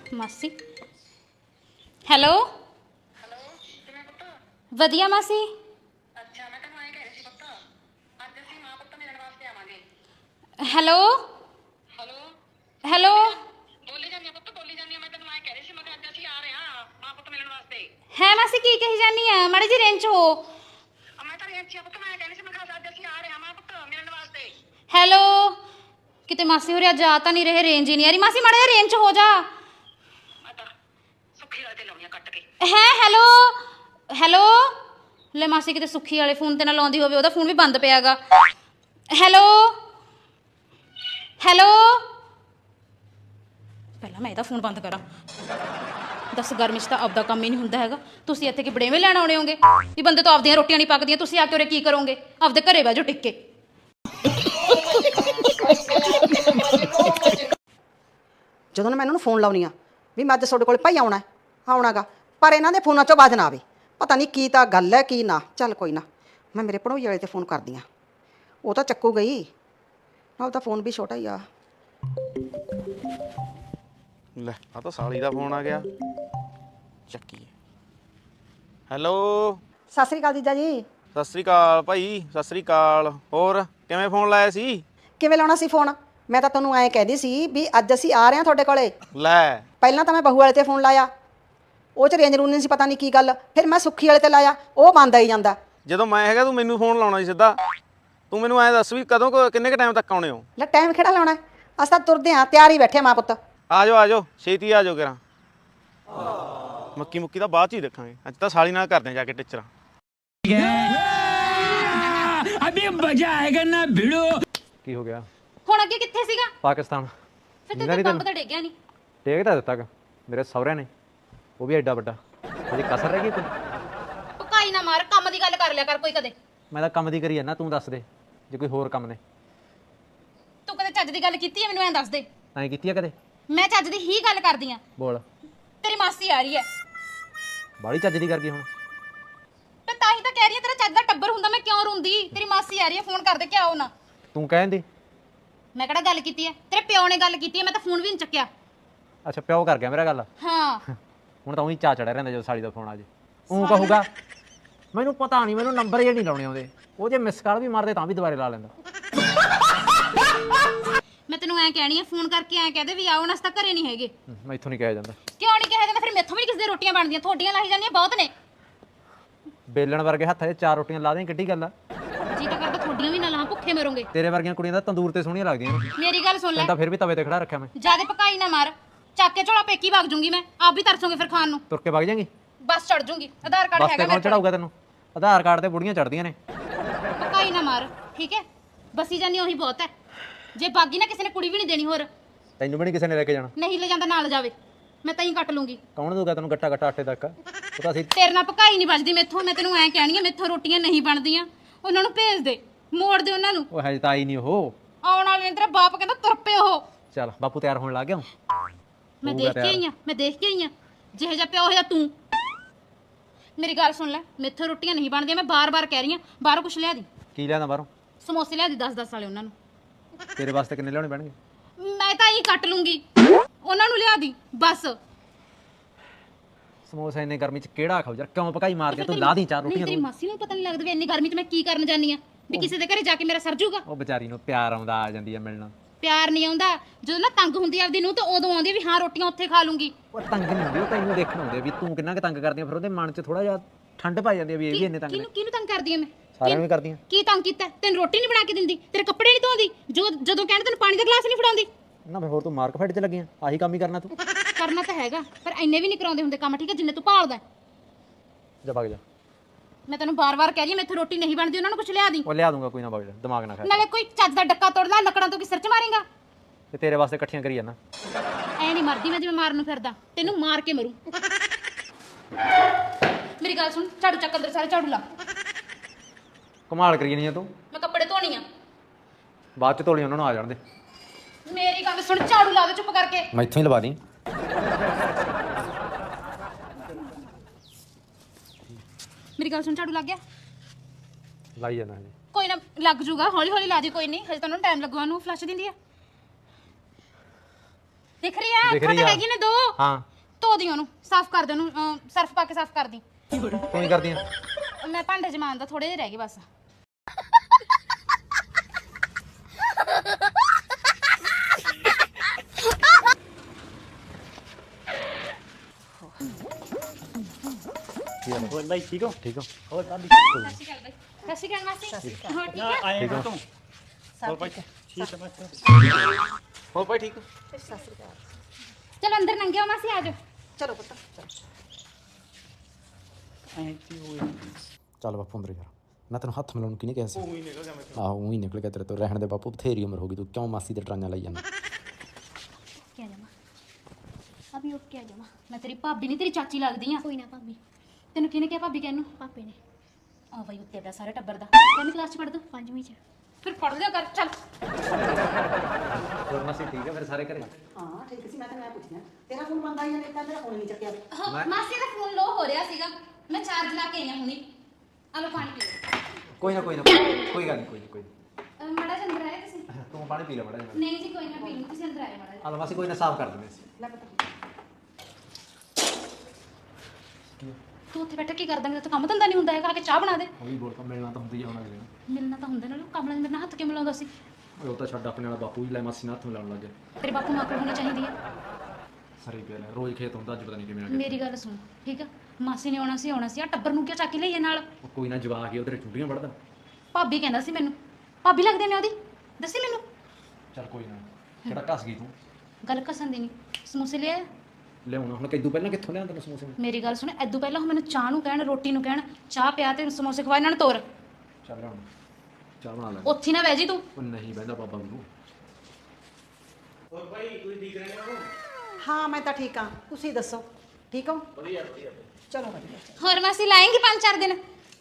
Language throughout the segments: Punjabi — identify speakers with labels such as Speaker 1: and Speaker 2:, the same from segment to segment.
Speaker 1: ਮਾਸੀ ਹੈਲੋ
Speaker 2: ਹੈਲੋ ਕਿਵੇਂ ਪੁੱਤ?
Speaker 1: ਵਧੀਆ ਮਾਸੀ।
Speaker 2: ਅੱਛਾ ਮੈਂ ਤੈਨੂੰ ਐਂ ਕਹਿ ਰਹੀ ਸੀ ਪੁੱਤ, ਅੱਜ ਅਸੀਂ ਮਾਂ ਪੁੱਤ ਮਿਲਣ ਵਾਸਤੇ ਆਵਾਂਗੇ।
Speaker 1: ਹੈਲੋ
Speaker 2: ਹੈਲੋ
Speaker 1: ਹੈਲੋ
Speaker 2: ਬੋਲੀ ਜਾਂਦੀ ਆ ਪੁੱਤ, ਬੋਲੀ ਜਾਂਦੀ ਆ। ਮੈਂ ਤੈਨੂੰ ਐਂ ਕਹਿ ਰਹੀ ਸੀ, ਮੈਂ ਕਿਹਾ ਅੱਜ ਅਸੀਂ ਆ ਰਹੇ ਹਾਂ ਮਾਂ ਪੁੱਤ ਮਿਲਣ ਵਾਸਤੇ।
Speaker 1: ਹੈ ਮਾਸੀ ਕੀ ਕਹੀ ਜਾਨੀ ਆ? ਮਾੜੀ ਜੀ ਰੇਂਜ ਹੋ।
Speaker 2: ਮੈਂ ਤਾਂ ਰੇਂਜ 'ਚ ਆ ਪੁੱਤ, ਮੈਂ ਕਹਿ ਰਹੀ ਸੀ, ਮੈਂ ਕਿਹਾ ਅੱਜ ਅਸੀਂ ਆ ਰਹੇ ਹਾਂ ਮਾਂ ਪੁੱਤ ਮਿਲਣ ਵਾਸਤੇ।
Speaker 1: ਹੈਲੋ ਕਿਤੇ ਮਾਸੀ ਹੋਰਿਆ ਜਾ ਤਾਂ ਨਹੀਂ ਰਹੇ, ਰੇਂਜ ਹੀ ਨਹੀਂ ਆ ਰਹੀ। ਮਾਸੀ ਮਾੜਾ ਜਿਹਾ ਰੇਂਜ 'ਚ ਹੋ ਜਾ।
Speaker 2: ਮੈਂ ਤਾਂ ਸੁੱਖੀ ਵਾਲੇ ਤੇ ਲਾਉਣੀ ਆ ਕੱਟ ਕੇ।
Speaker 1: ਹੈ ਹੈਲੋ ਹੈਲੋ ਲੈ ਮਾਸੀ ਕਿਤੇ ਸੁੱਖੀ ਵਾਲੇ ਫੋਨ ਤੇ ਨਾ ਲਾਉਂਦੀ ਹੋਵੇ, ਉਹਦਾ ਫੋਨ ਵੀ ਬੰਦ ਪਿਆਗਾ। ਹੈਲੋ ਹੈਲੋ ਪਹਿਲਾਂ ਮੈਂ ਇਹਦਾ ਫੋਨ ਬੰਦ ਕਰਾਂ। ਦੱਸ ਗਰਮੀ 'ਚ ਤਾਂ ਆਪਦਾ ਕੰਮ ਹੀ ਨਹੀਂ ਹੁੰਦਾ ਹੈਗਾ। ਤੁਸੀਂ ਇੱਥੇ ਕਿ ਬੜੇਵੇਂ ਲੈਣ ਆਉਣੇ ਹੋਗੇ ਵੀ ਬੰਦੇ ਤੋਂ ਆਪਦੀਆਂ ਰੋਟੀਆਂ ਨਹੀਂ ਪੱਕਦੀਆਂ, ਤੁਸੀਂ ਆ ਕੇ ਉਰੇ ਕੀ ਕਰੋਗੇ? ਆਪਦੇ ਘਰੇ ਬਹਿ ਜਾਓ ਟਿੱਕ ਕੇ।
Speaker 3: ਜਦੋਂ ਨਾ ਮੈਂ ਇਹਨਾਂ ਨੂੰ ਫੋਨ ਲਾਉਣੀ ਆ ਵੀ ਮੈਂ ਅੱਜ ਤੁਹਾਡੇ ਕੋਲ ਭਾਈ ਆਉਣਾਗਾ, ਪਰ ਇਹਨਾਂ ਦੇ ਫੋਨਾਂ 'ਚੋਂ ਆਵਾਜ਼ ਨਾ ਆਵੇ। ਪਤਾ ਨਹੀਂ ਕੀ ਤਾਂ ਗੱਲ ਹੈ ਕੀ ਨਾ। ਚੱਲ ਕੋਈ ਨਾ, ਮੈਂ ਮੇਰੇ ਭਣੋਈ ਵਾਲੇ 'ਤੇ ਫੋਨ ਕਰਦੀ ਆ, ਉਹ ਤਾਂ ਚੱਕੂ ਗਈ। ਨਾਲ ਤਾਂ ਫੋਨ ਵੀ ਛੋਟਾ ਹੀ ਆ।
Speaker 4: ਲੈ ਆ ਤਾਂ ਸਾਲੀ ਦਾ ਫੋਨ ਆ ਗਿਆ, ਚੱਕੀ। ਹੈਲੋ
Speaker 3: ਸਤਿ ਸ੍ਰੀ ਅਕਾਲ ਜੀਜਾ ਜੀ।
Speaker 4: ਸਤਿ ਸ੍ਰੀ ਅਕਾਲ ਭਾਈ, ਸਤਿ ਸ੍ਰੀ ਅਕਾਲ। ਹੋਰ ਕਿਵੇਂ ਫੋਨ ਲਾਇਆ ਸੀ?
Speaker 3: ਕਿਵੇਂ ਲਾਉਣਾ ਸੀ ਫੋਨ? ਮੈਂ ਤਾਂ ਤੁਹਾਨੂੰ ਐਂ ਕਹਿੰਦੀ ਸੀ ਵੀ ਅੱਜ ਅਸੀਂ ਆ ਰਹੇ ਹਾਂ ਤੁਹਾਡੇ ਕੋਲੇ।
Speaker 4: ਲੈ
Speaker 3: ਪਹਿਲਾਂ ਤਾਂ ਮੈਂ ਬਹੂ ਵਾਲੇ 'ਤੇ ਫੋਨ ਲਾਇਆ, ਉਹ 'ਚ ਰੇਂਜ ਰੂਨ ਨਹੀਂ ਸੀ, ਪਤਾ ਨਹੀਂ ਕੀ ਗੱਲ। ਫਿਰ ਮੈਂ ਸੁੱਖੀ ਵਾਲੇ 'ਤੇ ਲਾਇਆ, ਉਹ ਬੰਦ ਆਈ ਜਾਂਦਾ।
Speaker 4: ਜਦੋਂ ਮੈਂ ਹੈਗਾ ਤੂੰ ਮੈਨੂੰ ਫੋਨ ਲਾਉਣਾ ਸੀ ਸਿੱਧਾ। ਤੂੰ ਮੈਨੂੰ ਐਂ ਦੱਸ ਵੀ ਕਦੋਂ ਕਿੰਨੇ ਕ ਟਾਈਮ ਤੱਕ ਆਉਣੇ ਹੋ?
Speaker 3: ਲੈ ਟਾਈਮ ਕਿਹੜਾ ਲਾਉਣਾ, ਅਸੀਂ ਤਾਂ ਤੁਰਦੇ ਹਾਂ, ਤਿਆਰ ਹੀ ਬੈਠੇ ਮਾਂ ਪੁੱਤ।
Speaker 4: ਆ ਜਾਓ ਛੇਤੀ ਆ ਜਾਓ ਕਿਰਾਂ। ਮੱਕੀ ਮੁੱਕੀ ਤਾਂ ਬਾਅਦ 'ਚ ਹੀ ਦੇਖਾਂਗੇ, ਅੱਜ ਤਾਂ ਸਾਲੀ ਨਾਲ ਕਰਦੇ ਜਾ ਕੇ ਟਿਚਰਾਂ।
Speaker 5: अभी मजा आएगा ना भिड़ो।
Speaker 6: ਕੀ ਹੋ ਗਿਆ?
Speaker 1: ਹੁਣ ਅੱਗੇ ਕਿੱਥੇ ਸੀਗਾ?
Speaker 6: ਪਾਕਿਸਤਾਨ
Speaker 1: ਫਿਰ ਤੇ ਬੰਬ ਤਾਂ ਡਿੱਗਿਆ ਨਹੀਂ।
Speaker 6: ਟੇਕ ਤਾਂ ਦਿੱਤਾ ਗਾ ਮੇਰੇ ਸਹੁਰਿਆਂ ਨੇ, ਉਹ ਵੀ ਐਡਾ ਵੱਡਾ। ਅਜੇ ਕਸਰ ਰਹਿ ਗਈ ਕੋਈ?
Speaker 1: ਪਕਾਈ ਨਾ ਮਾਰ, ਕੰਮ ਦੀ ਗੱਲ ਕਰ ਲਿਆ ਕਰ ਕੋਈ ਕਦੇ।
Speaker 6: ਮੈਂ ਤਾਂ ਕੰਮ ਦੀ ਕਰੀ ਜਾਂਦਾ, ਤੂੰ ਦੱਸ ਦੇ ਜੇ ਕੋਈ ਹੋਰ ਕੰਮ ਨੇ।
Speaker 1: ਤੂੰ ਕਦੇ ਚੱਜ ਦੀ ਗੱਲ ਕੀਤੀ ਹੈ? ਮੈਨੂੰ ਐਂ ਦੱਸ ਦੇ।
Speaker 6: ਐਂ ਕੀਤੀ ਆ ਕਦੇ?
Speaker 1: ਮੈਂ ਚੱਜ ਦੀ ਹੀ ਗੱਲ ਕਰਦੀ ਆ।
Speaker 6: ਬੋਲ।
Speaker 1: ਤੇਰੀ ਮਾਸੀ ਆ ਰਹੀ ਹੈ।
Speaker 6: ਬਾਹਲੀ ਚੱਜ ਦੀ ਕਰ ਗਈ ਹੁਣ।
Speaker 1: ਤੇ ਤਾਂ ਹੀ ਤਾਂ ਕਹਿ ਰਹੀ ਆ, ਤੇਰਾ ਚੱਜ ਦਾ ਟੱਬਰ ਹੁੰਦਾ ਮੈਂ ਕਿਉਂ ਰੋਂਦੀ? ਤੇਰੀ ਮਾਸੀ ਆ ਰਹੀ ਹੈ, ਫੋਨ ਕਰ ਦੇ ਕਿ ਆਓ ਨਾ।
Speaker 6: ਤੂੰ ਕਹਿੰਦੀ
Speaker 1: ਮੈਂ ਕਿਹੜਾ ਗੱਲ ਕੀਤੀ ਹੈ? ਤੇਰੇ ਪਿਓ ਨੇ ਗੱਲ ਕੀਤੀ ਹੈ, ਮੈਂ ਤਾਂ ਫੋਨ ਵੀ ਨਹੀਂ ਚੱਕਿਆ।
Speaker 6: ਅੱਛਾ ਪਿਓ ਕਰ ਗਿਆ ਮੇਰਾ ਗੱਲ।
Speaker 1: ਹਾਂ
Speaker 6: ਹੁਣ ਤਾਂ ਉਹੀ ਚਾਅ ਚੜਿਆ ਰਹਿੰਦਾ ਜਦੋਂ ਸਾਲੀ ਦਾ ਫੋਨ ਆ ਜੇ। ਉਹ ਕਹੂਗਾ ਮੈਨੂੰ ਪਤਾ ਨਹੀਂ, ਮੈਨੂੰ ਨੰਬਰ ਜੇ ਨਹੀਂ ਲਾਉਣੇ ਆਉਂਦੇ। ਉਹ ਜੇ ਮਿਸ ਕਾਲ ਵੀ ਮਾਰਦੇ ਤਾਂ ਵੀ ਦੁਬਾਰੇ ਲਾ ਲੈਂਦਾ।
Speaker 1: ਮੈਂ ਤੈਨੂੰ ਐਂ ਕਹਿਣੀ ਆ, ਫੋਨ ਕਰਕੇ ਐਂ ਕਹਦੇ ਵੀ ਆਓ ਨਾ, ਅਸੀਂ ਤਾਂ ਘਰੇ ਨਹੀਂ ਹੈਗੇ।
Speaker 6: ਮੈਥੋਂ ਨਹੀਂ ਕਿਹਾ ਜਾਂਦਾ।
Speaker 1: ਕਿਉਂ ਨਹੀਂ ਕਿਹਾ ਜਾਂਦਾ? ਫਿਰ ਮੈਥੋਂ ਵੀ ਨੀ ਕਿਸੇ ਦੀਆਂ ਰੋਟੀਆਂ ਬਣਦੀਆਂ, ਤੁਹਾਡੀਆਂ ਲਾਈ ਜਾਂਦੀਆਂ ਬਹੁਤ ਨੇ।
Speaker 6: ਬੇਲਣ ਵਰਗੇ ਹੱਥਾਂ 'ਚ 4 ਰੋਟੀਆਂ ਲਾ ਦੇਂ, ਕਿੱਡੀ ਗੱਲ ਆ?
Speaker 1: ਜੀ ਤਾਂ ਕਰਦਾ ਤੁਹਾਡੀਆਂ ਵੀ ਨਾ ਲਾਹਾਂ, ਭੁੱਖੇ ਮਰੋਗੇ।
Speaker 6: ਤੇਰੇ ਵਰਗੀਆਂ ਕੁੜੀਆਂ ਤਾਂ ਤੰਦੂਰ ਤੇ ਸੋਹਣੀਆਂ ਲੱਗਦੀਆਂ ਨੇ।
Speaker 1: ਮੇਰੀ ਗੱਲ ਸੁਣ ਲੈ,
Speaker 6: ਤੈਨੂੰ ਤਾਂ ਫਿਰ ਵੀ ਤਵੇ ਤੇ ਖੜਾ ਰੱਖਿਆ ਮੈਂ।
Speaker 1: ਜਿਆਦੇ ਪਕਾਈ ਨਾ ਮਾਰ, ਚੱਕ ਕੇ ਝੋਲਾ ਪੇਕੀ ਵਗ ਜੂੰਗੀ ਮੈਂ। ਆਪ ਵੀ ਤਰਸੋਗੇ ਫਿਰ ਖਾਣ ਨੂੰ।
Speaker 6: ਤੁਰ ਕੇ ਵਗ ਜਾਏਂਗੀ?
Speaker 1: ਬਸ ਚੜ ਜੂੰਗੀ, ਆਧਾਰ ਕਾਰਡ
Speaker 6: ਬਸ
Speaker 1: ਹੈਗਾ
Speaker 6: ਤੇ ਕੌਣ
Speaker 1: ਮੇਰੇ ਕੋਲ।
Speaker 6: ਚੜਾਊਗਾ ਤੈਨੂੰ? ਆਧਾਰ ਕਾਰਡ ਤੇ ਬੁੜੀਆਂ ਚੜਦੀਆਂ ਨੇ।
Speaker 1: ਪਕਾਈ ਨਾ ਮਾਰ ਠੀਕ ਹੈ, ਬਸੀ ਜਾਨੀ ਉਹੀ ਬਹੁਤ ਹੈ। ਜੇ ਬਾਗੀ ਨਾ ਕਿਸੇ ਨੇ ਕੁੜੀ ਵੀ ਨਹੀਂ ਦੇਣੀ ਹੋਰ।
Speaker 6: ਤੈਨੂੰ ਵੀ ਨਹੀਂ ਕਿਸੇ ਨੇ ਲੈ ਕੇ ਜਾਣਾ।
Speaker 1: ਨਹੀਂ ਲੈ ਜਾਂਦਾ ਨਾਲ ਜਾਵੇ, ਮੈਂ ਤਾਂ ਹੀ ਕੱਟ ਲੂੰਗੀ।
Speaker 6: ਕੌਣ ਦਊਗਾ ਤੈਨੂੰ ਗੱਟਾ ਗੱਟਾ ਆਟੇ ਤੱਕ? ਉਹ ਤਾਂ ਅਸੀਂ
Speaker 1: ਤੇਰੇ ਨਾਲ ਪਕਾਈ ਨਹੀਂ ਵੱਜਦੀ ਮੈਥੋਂ। ਮੈਂ ਤੈਨੂੰ ਐਂ ਕਹਿਣੀ ਆ, ਮੈਥੋਂ ਰੋਟੀਆਂ ਨਹੀਂ ਬਣਦੀਆਂ। ਉਹਨਾਂ ਨੂੰ ਭੇਜ ਦੇ, ਮੋੜ ਦੇ ਉਹਨਾਂ ਨੂੰ।
Speaker 6: ਉਹ ਹਜੇ ਤਾਂ ਆਈ ਨਹੀਂ ਉਹ।
Speaker 1: ਆਉਣ ਵਾਲੇ ਨੇ, ਤੇਰਾ ਬਾਪ ਕਹਿੰਦਾ ਤੁਰ ਪਏ ਉਹ।
Speaker 6: ਚੱਲ ਬਾਪੂ ਤਿਆਰ ਹੋਣ ਲੱਗ ਗਿਆ।
Speaker 1: ਮੈਂ ਦੇਖ ਕੇ ਆਈ ਆ, ਮੈਂ ਦੇਖ ਕੇ ਆਈ ਆ। ਜਿਹੋ ਜਿਹਾ ਪਿਓ ਹੋਇਆ ਤੂੰ। ਮੇਰੀ ਗੱਲ ਸੁਣ ਲੈ, ਮੈਥੋਂ ਰੋਟੀਆਂ ਨਹੀਂ ਬਣਦੀਆਂ। ਮੈਂ ਬਾਰ-ਬਾਰ ਕਹਿ ਰਹੀ ਆ, ਬਾਹਰੋਂ ਕੁਛ ਲਿਆ ਦੀ।
Speaker 6: ਕੀ ਲਿਆਂਦਾ ਬਾਹਰੋਂ?
Speaker 1: ਸਮੋਸੇ ਲਿਆ ਦੀ 10-10 ਵਾਲੇ ਉਹਨਾਂ ਨੂੰ।
Speaker 6: ਤੇਰੇ ਵਾਸਤੇ ਕਿੰਨੇ ਲਿਆਉਣੇ ਪੈਣਗੇ?
Speaker 1: ਮੈਂ ਤਾਂ ਹੀ ਕੱਟ ਲੂੰਗੀ, ਉਹਨਾਂ ਨੂੰ ਲਿਆ ਦੀ ਬਸ।
Speaker 6: ਸਮੋਸਾ ਇੰਨੇ ਗਰਮੀ 'ਚ ਕਿਹੜਾ ਖਾਓ ਯਾਰ? ਕਿਉਂ ਪਕਾਈ ਮਾਰਦੇ ਤੂੰ? ਲਾ ਦੀ 4 ਰੋਟੀਆਂ
Speaker 1: ਤੇਰੀ
Speaker 6: ਤੂੰ।
Speaker 1: ਮਾਸੀ ਨੂੰ ਪਤਾ ਨਹੀਂ ਲੱਗਦਾ ਵੀ ਇੰਨੀ ਗਰਮੀ 'ਚ ਮੈਂ ਕੀ ਕਰਨ ਜਾਨੀ ਆ, ਵੀ ਕਿਸੇ ਦੇ ਘਰੇ ਜਾ ਕੇ ਮੇਰਾ ਸਰ ਜੂਗਾ।
Speaker 6: ਉਹ ਵਿਚਾਰੀ ਨੂੰ ਪਿਆਰ ਆਉਂਦਾ, ਆ ਜਾਂਦੀ ਆ ਮਿਲਣਾ।
Speaker 1: ਪਿਆਰ ਨਹੀਂ ਆਉਂਦਾ ਜਦੋਂ ਨਾ ਤੰਗ ਹੁੰਦੀ ਆਪਦੀ ਨੂੰ, ਤਾਂ ਉਦੋਂ ਆਉਂਦੀ ਵੀ ਹਾਂ ਰੋਟੀਆਂ ਉੱਥੇ ਖਾ ਲੂੰਗੀ।
Speaker 6: ਉਹ ਤੰਗ ਨਹੀਂ ਹੁੰਦੀ, ਉਹ ਤੈਨੂੰ ਦੇਖਣ ਆਉਂਦੇ ਵੀ ਤੂੰ ਕਿੰਨਾ ਕੁ ਤੰਗ ਕਰਦੀ ਆ। ਫਿਰ ਉਹਦੇ ਮਨ 'ਚ ਥੋੜਾ ਜਿਹਾ ਠੰਡ ਪਾ ਜਾਂਦੀ ਆ ਵੀ ਇਹ ਵੀ ਇੰਨੇ ਤੰਗ ਨੇ।
Speaker 1: ਕਿਹਨੂੰ ਤੰਗ ਕਰਦੀ ਆ ਮੈਂ?
Speaker 6: ਸਾਰਿਆਂ ਨੂੰ ਕਰਦੀ ਆ।
Speaker 1: ਕੀ ਤੰਗ ਕੀਤਾ? ਤੈਨੂੰ ਰੋਟੀ ਨਹੀਂ ਬਣਾ ਕੇ ਦਿੰਦੀ, ਤੇਰੇ ਕੱਪੜੇ ਨਹੀਂ ਧੋਂਦੀ, ਜਦੋਂ ਕਹਿੰਦੇ ਤੈਨੂੰ ਪਾਣੀ ਦਾ ਗਲਾਸ ਨਹੀਂ ਫੜਾਉਂਦੀ।
Speaker 6: ਨਾ ਫਿਰ ਹੋਰ ਤੂੰ ਮਾਰਕ ਫਾਈਟ 'ਚ ਲੱਗੀ ਆ? ਆਹੀ ਕੰਮ ਹੀ ਕਰਨਾ ਤੂੰ।
Speaker 1: ਕਰਨਾ ਤਾਂ ਹੈਗਾ, ਪਰ ਇੰਨੇ ਵੀ ਨਹੀਂ ਕਰਾਉਂਦੇ ਹੁੰਦੇ ਕੰਮ, ਠੀਕ ਹੈ, ਜਿੰਨੇ ਤੂੰ ਭਾਲਦਾ।
Speaker 6: ਜਾ ਵਗ ਜਾ।
Speaker 1: ਮੈਂ ਤੈਨੂੰ ਬਾਰ-ਬਾਰ ਕਹਿ ਰਹੀ ਹਾਂ, ਮੈਥੋਂ ਰੋਟੀ ਨਹੀਂ ਬਣਦੀ, ਉਹਨਾਂ ਨੂੰ ਕੁਛ ਲਿਆ ਦੀ।
Speaker 6: ਉਹ ਲਿਆ ਦੂੰਗਾ ਕੋਈ ਨਾ, ਵਗ ਜਾ, ਦਿਮਾਗ ਨਾ ਖਾ।
Speaker 1: ਨਾਲੇ ਕੋਈ ਚੱਜ ਦਾ ਡੱਕਾ ਤੋੜ ਲੈ, ਲੱਕੜਾਂ ਤੋਂ ਕੀ ਸਿਰ 'ਚ ਮਾਰੇਗਾ?
Speaker 6: ਤੇ ਤੇਰੇ ਵਾਸਤੇ ਇਕੱਠੀਆਂ ਕਰੀ ਜਾਂਦਾ।
Speaker 1: ਐ ਨਹੀਂ ਮਰਦੀ ਮੈਂ ਜਿਵੇਂ ਮਾਰਨ ਨੂੰ ਫਿਰਦਾ, ਤੈਨੂੰ ਮਾਰ ਕੇ ਮਰੂ। ਮੇਰੀ ਗੱਲ ਸੁਣ, ਝਾੜੂ ਚੱਕ, ਅੰਦਰ ਸਾਰੇ ਝਾੜੂ ਲਾ।
Speaker 6: ਕਮਾਲ ਕਰੀ ਨਹੀਂ ਆ ਤੂੰ।
Speaker 1: ਮੈਂ ਕੱਪੜੇ ਧੋਣੀ ਆ।
Speaker 6: ਬਾਅਦ 'ਚ ਧੋਲੀ ਉਹਨਾਂ ਨੂੰ ਆ ਜਾਣ ਦੇ।
Speaker 1: ਮੇਰੀ ਗੱਲ ਸੁਣ, ਝਾੜੂ ਲਾ ਦੇ ਚੁੱਪ ਕਰਕੇ।
Speaker 6: ਮੈਂ ਇੱਥੋਂ ਹੀ ਲਵਾ ਦੀ।
Speaker 1: ਮੇਰੀ ਗੱਲ ਸੁਣ, ਝਾੜੂ ਲੱਗ ਗਿਆ?
Speaker 6: ਲਾਈ ਜਾਣਾ ਹਜੇ।
Speaker 1: ਕੋਈ ਨਾ ਲੱਗ ਜੂਗਾ, ਹੌਲੀ ਹੌਲੀ ਲਾ ਦੀ, ਕੋਈ ਨਹੀਂ, ਹਜੇ ਤੁਹਾਨੂੰ ਟਾਈਮ ਲੱਗੂਗਾ। ਉਹਨੂੰ ਫਲਸ਼ ਦਿੰਦੀ ਆ। ਦਿਖ ਰਹੀ ਆ
Speaker 6: ਦਿਖ
Speaker 1: ਅੱਖਾਂ
Speaker 6: ਰਹੀ
Speaker 1: ਤਾਂ
Speaker 6: ਆ।
Speaker 1: ਹੈਗੀ ਨੇ ਦੋ।
Speaker 6: ਹਾਂ
Speaker 1: ਧੋ ਦੀ ਉਹਨੂੰ, ਸਾਫ਼ ਕਰ ਦੇ ਉਹਨੂੰ, ਸਰਫ ਪਾ ਕੇ ਸਾਫ਼ ਕਰ ਦੀ।
Speaker 6: ਤੂੰ ਹੀ ਕਰਦੀ ਆ।
Speaker 1: ਮੈਂ ਭਾਂਡੇ ਜਮਾਨ ਦਾ ਥੋੜੇ ਜਿਹੇ ਰਹਿ ਗਏ ਬਸ।
Speaker 7: ਹੋਰ ਬਾਈ ਠੀਕ ਹੋ?
Speaker 6: ਠੀਕ ਹੋ?
Speaker 7: ਹੋਰ ਭਾਬੀ
Speaker 1: ਸਤਿ ਸ਼੍ਰੀ ਅਕਾਲ ਬਾਈ। ਸਤਿ ਸ਼੍ਰੀ ਅਕਾਲ ਮਾਸੀ। ਹੋਰ ਠੀਕ
Speaker 7: ਨਾ
Speaker 1: ਹੈ?
Speaker 7: ਆਏ ਨਾ ਤੂੰ ਹੋਰ ਭਾਈ ਠੀਕ ਹੈ ਬਸ
Speaker 4: ਹੋਰ ਭਾਈ ਠੀਕ
Speaker 1: ਚਲੋ ਅੰਦਰ ਨੰਗੇ ਮਾਸੀ ਆ ਜਾਓ।
Speaker 3: ਚਲੋ ਪੁੱਤ ਚਲੋ।
Speaker 7: ਐਂ ਕੀ ਹੋਇਆ
Speaker 6: ਚੱਲ ਬਾਪੂ ਅੰਦਰ ਯਾਰ, ਮੈਂ ਤੈਨੂੰ ਹੱਥ ਮਿਲਾਉਣ ਕਿਹਨੇ ਕਿਹਾ ਸੀ? ਆਹੋ ਉਹੀ ਨਿਕਲ ਗਿਆ ਤੇਰੇ ਤੋਂ। ਰਹਿਣ ਦੇ ਬਾਪੂ, ਬਥੇਰੀ ਉਮਰ ਹੋ ਗਈ, ਤੂੰ ਕਿਉਂ ਮਾਸੀ ਦੇ ਟਰਾਈਆਂ ਲਈ ਜਾਂਦਾ?
Speaker 1: क्या जामा अभी उठ के आ जामा। मैं तेरी भाभी नहीं तेरी चाची लगदी हां। कोई ना भाभी। तेनू किने क्या भाभी कहनू? पापे ने। आ भाई उत्ते दा सारे टब्बर दा। किन्नी क्लास च पढ़दा? 5वीं च। फिर पढ़ लिया कर चल।
Speaker 6: ਹੋਰ ਮਾਸੀ ਠੀਕ ਹੈ? ਫਿਰ ਸਾਰੇ ਘਰੇ?
Speaker 3: ਹਾਂ ਠੀਕ ਸੀ। ਮੈਂ ਤਾਂ ਪੁੱਛਿਆ ਤੇਰਾ ਫੋਨ ਬੰਦ ਆਈ ਜਾਂਦਾ, ਮੇਰਾ ਫੋਨ ਨਹੀਂ ਚੱਕਿਆ।
Speaker 1: हां मासी दा फोन लो हो रहा सीगा। मैं चार्ज ला के आई हां हुनी। आ लो पानी पी लो।
Speaker 6: ਕੋਈ ਨਾ ਕੋਈ ਗੱਲ ਨਹੀਂ, ਕੋਈ ਨਹੀਂ।
Speaker 1: मड़ा ज अंदर आए तुसी?
Speaker 6: ਤੂੰ ਪਾਣੀ ਪੀ ਲੈ ਮੜਾ ਜਿਹਾ।
Speaker 1: नहीं जी कोई ना पी लो, तुसी अंदर आए मड़ा।
Speaker 6: ਆ ਲਓ ਮਾਸੀ, ਕੋਈ ਨਾ ਸਾਫ਼ ਕਰ ਦਿੰਦੇ ਸੀ।
Speaker 3: ਲੈ ਪੁੱਤ
Speaker 1: तू ਉੱਥੇ ਬੈਠਾ ਕੀ ਕਰਦਾਂਗੇ? ਤੇ ਕੰਮ ਧੰਦਾ ਨਹੀਂ ਹੁੰਦਾ ਹੈਗਾ, ਆ ਕੇ ਚਾਹ ਬਣਾ ਦੇ।
Speaker 6: ਉਹ ਵੀ ਬੋਲ ਤਾਂ ਮਿਲਣਾ ਤਾਂ ਹੁੰਦੀ ਆ ਉਹਨਾਂ ਅਗਲੇ ਨੂੰ।
Speaker 1: ਮਿਲਣਾ ਤਾਂ ਹੁੰਦਾ ਨਾ, ਲੋਕ ਕਮਲਾਂ ਮੇਰੇ ਨਾਲ ਹੱਥ ਕਿਉਂ ਮਿਲਾਉਂਦਾ ਸੀ?
Speaker 6: ਉਹ ਤਾਂ ਛੱਡ, ਆਪਣੇ ਵਾਲਾ ਬਾਪੂ ਵੀ ਲੈ ਮਾਸੀ ਨਾਲ ਹੱਥ ਮਿਲਾਉਣ ਲੱਗ ਗਿਆ।
Speaker 1: ਤੇਰੇ ਬਾਪੂ ਨੂੰ ਅਕਲ ਹੋਣੀ ਚਾਹੀਦੀ ਹੈ।
Speaker 6: ਸਰੀ ਪਿਆ ਲੈ, ਰੋਜ਼ ਖੇਤ ਹੁੰਦਾ, ਅੱਜ ਪਤਾ ਨਹੀਂ ਕਿਵੇਂ ਆ ਗਿਆ।
Speaker 1: ਮੇਰੀ ਗੱਲ ਸੁਣ ਠੀਕ ਆ, ਮਾਸੀ ਨੇ ਆਉਣਾ ਸੀ ਆ ਟੱਬਰ ਨੂੰ ਕਿਉਂ ਚੱਕ ਕੇ ਲਈਏ ਨਾਲ?
Speaker 6: ਉਹ ਕੋਈ ਨਾ, ਜਵਾ ਕੇ ਉਹਦੇ ਛੁੱਟੀਆਂ ਵੜਦਾ।
Speaker 1: ਭਾਬੀ ਕਹਿੰਦਾ ਸੀ ਮੈਨੂੰ, ਭਾਬੀ ਲੱਗਦੇ ਨੇ ਉਹਦੀ, ਦੱਸੀ ਮੈਨੂੰ।
Speaker 6: ਚੱਲ ਕੋਈ ਨਾ, ਕਿਹੜਾ ਘਸ ਗਈ ਤੂੰ?
Speaker 1: ਗੱਲ ਕਸਣ ਦੀ ਨਹੀਂ। ਸਮੋਸੇ ਲਿਆ?
Speaker 6: ਲਿਆਉਣਾ ਹੁਣ, ਕਿਦੋਂ ਪਹਿਲਾਂ ਕਿੱਥੋਂ ਲਿਆਂਦਾ ਤੈਨੂੰ ਸਮੋਸੇ?
Speaker 1: ਮੇਰੀ ਗੱਲ ਸੁਣ, ਐਦੋਂ ਪਹਿਲਾਂ ਉਹ ਮੈਨੂੰ ਚਾਹ ਨੂੰ ਕਹਿਣ, ਰੋਟੀ ਨੂੰ ਕਹਿਣ, ਚਾਹ ਪਿਆ ਤੇ ਸਮੋਸੇ ਖਵਾ, ਇਹਨਾਂ ਨੂੰ ਤੋਰ।
Speaker 6: ਚੱਲ ਲਿਆਉਣਾ, ਚਾਹ ਬਣਾ ਲੈ।
Speaker 1: ਉੱਥੇ ਨਾ ਬਹਿ ਜੀ ਤੂੰ।
Speaker 6: ਉਹ ਨਹੀਂ ਬਹਿੰਦਾ ਬਾਬਾ ਮੈਨੂੰ।
Speaker 3: ਹਾਂ ਮੈਂ ਤਾਂ ਠੀਕ ਹਾਂ, ਤੁਸੀਂ ਦੱਸੋ ਠੀਕ ਹੋ? ਵਧੀਆ ਚਲੋ ਵਧੀਆ।
Speaker 1: ਹੋਰ ਮਾਸੀ ਲਾਏਂਗੀ 5-4 ਦਿਨ?